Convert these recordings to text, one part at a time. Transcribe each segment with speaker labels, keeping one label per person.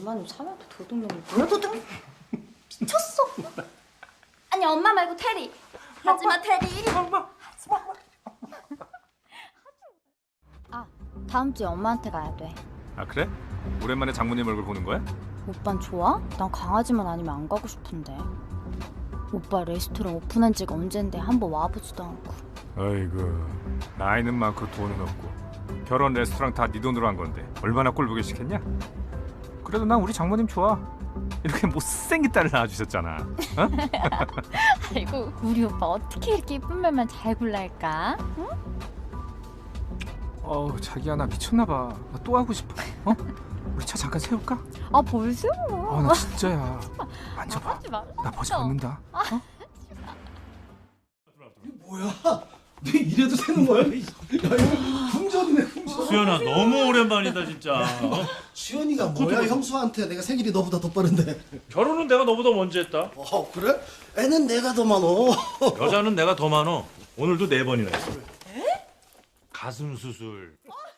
Speaker 1: 엄마는 참여도 도둑놈이 뭐야 도둑? 미쳤어. 아니 엄마 말고 테리. 하지마 테리. 하지마. 아 다음 주에 엄마한테 가야 돼.
Speaker 2: 아 그래? 오랜만에 장모님 얼굴 보는 거야?
Speaker 1: 오빤 좋아? 난 강아지만 아니면 안 가고 싶은데. 오빠 레스토랑 오픈한 지가 언젠데 한번 와보지도 않고.
Speaker 2: 아이고 나이는 많고 돈은 없고 결혼 레스토랑 다 네 돈으로 한 건데 얼마나 꼴보기 싫겠냐? 그래도 난 우리 장모님 좋아. 이렇게 못생긴 딸을 낳아주셨잖아. 어?
Speaker 1: 아이고 우리 오빠 어떻게 이렇게 예쁜 말만 잘 골랄까? 응?
Speaker 2: 어우 자기야 나 미쳤나 봐. 나 또 하고 싶어. 어? 우리 차 잠깐 세울까?
Speaker 1: 아 벌써?
Speaker 2: 아 나 진짜야. 만져봐.
Speaker 1: 하지 마.
Speaker 2: 나 버지 않는다. 어?
Speaker 3: 뭐야? 너 이래도 새는 거야? 야 이거 흥전이네 흥전.
Speaker 4: 수연아 너무 오랜만이다 진짜. 어?
Speaker 3: 수연이가 뭐야? 형수한테 내가 생일이 너보다 더 빠른데.
Speaker 4: 결혼은 내가 너보다 먼저 했다.
Speaker 3: 그래? 애는 내가 더 많어.
Speaker 4: 여자는 내가 더 많어. 오늘도 4번이나 했어. 가슴 수술.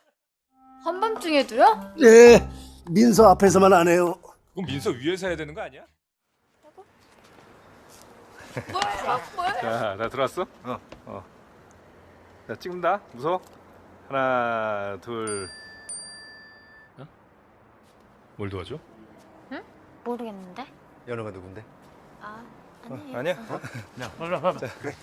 Speaker 1: 한밤중에도요?
Speaker 3: 네, 민서 앞에서만 안 해요.
Speaker 2: 그럼 민서 위에서 해야 되는 거 아니야?
Speaker 1: 뭘?
Speaker 2: 자, 나 들어왔어? 자, 찍는다. 무서워? 하나, 둘. 어? 뭘 도와줘?
Speaker 1: 모르겠는데.
Speaker 3: 연호가 누군데?
Speaker 1: 아 아니에요.
Speaker 2: 아니야?
Speaker 4: 야, 빨리 와.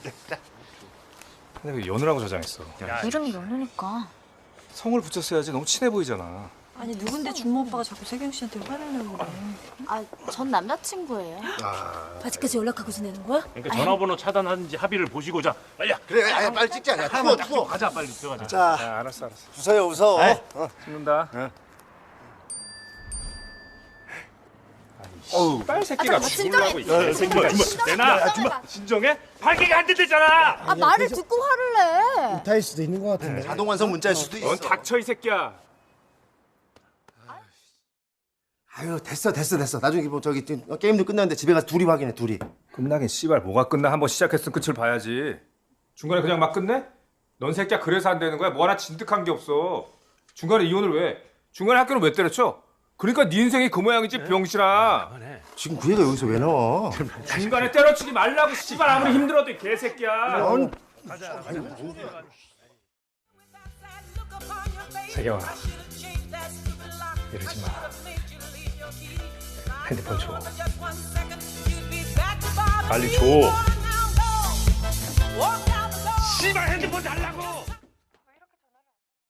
Speaker 2: 근데 왜 연우라고 저장했어?
Speaker 1: 이름이 연우니까.
Speaker 2: 성을 붙였어야지. 너무 친해 보이잖아.
Speaker 5: 아니 누군데 준모 오빠가 자꾸 세경 씨한테 화를 내고 그래.
Speaker 1: 전 남자친구예요.
Speaker 5: 아직까지 연락하고 지내는 거야?
Speaker 4: 그러니까 전화번호 차단하는지 합의를 보시고자 빨리.
Speaker 3: 그래, 아야 빨리 찍자. 야,
Speaker 4: 하나만 딱 찍고 가자 빨리 들어가자.
Speaker 3: 자,
Speaker 2: 자, 알았어.
Speaker 3: 웃어요, 웃어.
Speaker 2: 찍는다.
Speaker 3: 어우,
Speaker 2: 딸 새끼가 죽으려고 있어.
Speaker 4: 내놔. 진정해? 발기가 안 된대잖아.
Speaker 1: 아 말을 듣고 화를 내.
Speaker 3: 타일 수도 있는 것 같은데. 자동 완성 문자일 수도 있어.
Speaker 2: 넌 닥쳐 이 새끼야.
Speaker 3: 아유, 됐어. 나중에 뭐 저기 게임도 끝났는데 집에 가서 둘이 확인해, 둘이.
Speaker 2: 끝나긴 씨발 뭐가 끝나. 한번 시작했으면 끝을 봐야지. 중간에 그냥 막 끝내? 넌 새끼야 그래서 안 되는 거야? 뭐 하나 진득한 게 없어. 중간에 이혼을 왜? 중간에 학교는 왜 때려쳐? 그러니까 네 인생이 그 모양이지 병신아.
Speaker 3: 지금 그 애가 여기서 왜 나와?
Speaker 2: 중간에 때려치지 말라고 씨발 아무리 힘들어도 이 개새끼야. 세경아 이러지 마. 핸드폰 줘. 빨리 줘. 씨발 핸드폰 달라고.